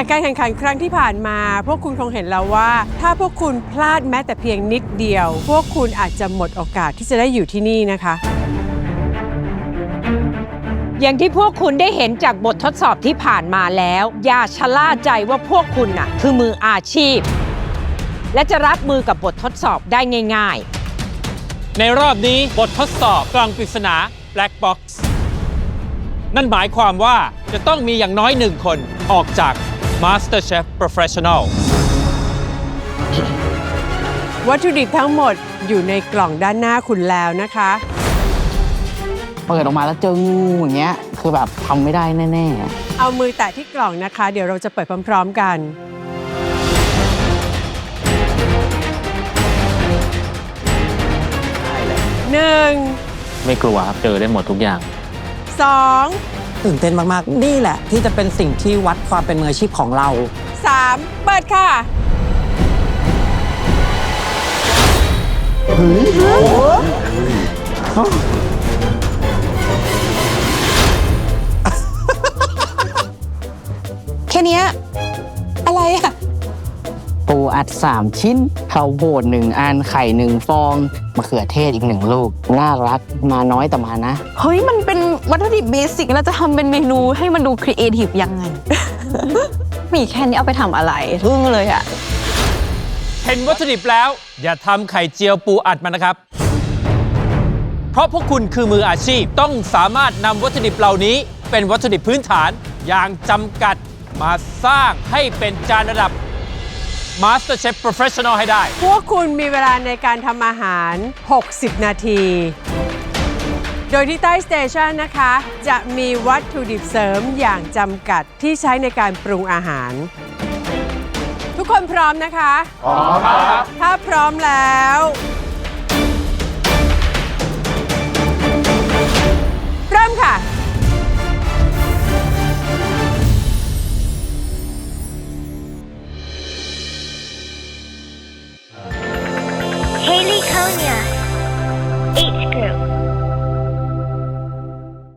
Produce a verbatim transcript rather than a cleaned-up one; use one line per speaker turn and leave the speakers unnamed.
จากการแข่งขันครั้งที่ผ่านมาพวกคุณคงเห็นแล้วว่าถ้าพวกคุณพลาดแม้แต่เพียงนิดเดียวพวกคุณอาจจะหมดโอกาสที่จะได้อยู่ที่นี่นะคะ
อย่างที่พวกคุณได้เห็นจากบททดสอบที่ผ่านมาแล้วอย่าชะล่าใจว่าพวกคุณน่ะคือมืออาชีพและจะรับมือกับบททดสอบได้ง่ายๆ
ในรอบนี้บททดสอบกล่องปริศนา Black Box นั่นหมายความว่าจะต้องมีอย่างน้อยหนึ่งคนออกจาก MasterChef Professional
วัตถุดิบทั้งหมดอยู่ในกล่องด้านหน้าคุณแล้วนะคะ
เปิดออกมาแล้วเจองูอย่างเงี้ยคือแบบทำไม่ได้แน่ๆ
เอามือแตะที่กล่องนะคะเดี๋ยวเราจะเปิดพร้อมๆกันหนึ่ง
ไม่กลัวครับเจอได้หมดทุกอย่าง
สอง
ตื่นเต้นมากๆนี่แหละที่จะเป็นสิ่งที่วัดความเป็นมืออาชีพของเรา
สามเปิดค่ะ
เฮ้ย
แค่นี้อะไรอะ
ปูอัดสามชิ้นข้าวโพดหนึ่งอันไข่หนึ่งฟองมะเขือเทศอีกหนึ่งลูกน่ารักมาน้อยแต่มานะ
เฮ้ยมันเป็นวัตถุดิบเบสิกแล้วจะทำเป็นเมนูให้มันดูครีเอทีฟยังไง มีแค่นี้เอาไปทำอะไรทึ่งเลยอะ
เห็นวัตถุดิบแล้วอย่าทำไข่เจียวปูอัดมันนะครับเพราะพวกคุณคือมืออาชีพต้องสามารถนำวัตถุดิบเหล่านี้เป็นวัตถุดิบพื้นฐานอย่างจำกัดมาสร้างให้เป็นจานระดับ MasterChef Professional ให้ได้
พวกคุณมีเวลาในการทำอาหารหกสิบนาทีโดยที่ใต้สเตชันนะคะจะมีวัตถุดิบเสริมอย่างจำกัดที่ใช้ในการปรุงอาหารทุกคนพร้อมนะคะพร้อมครับถ้าพร้อมแล้วเริ่มค่ะ
Haley Konya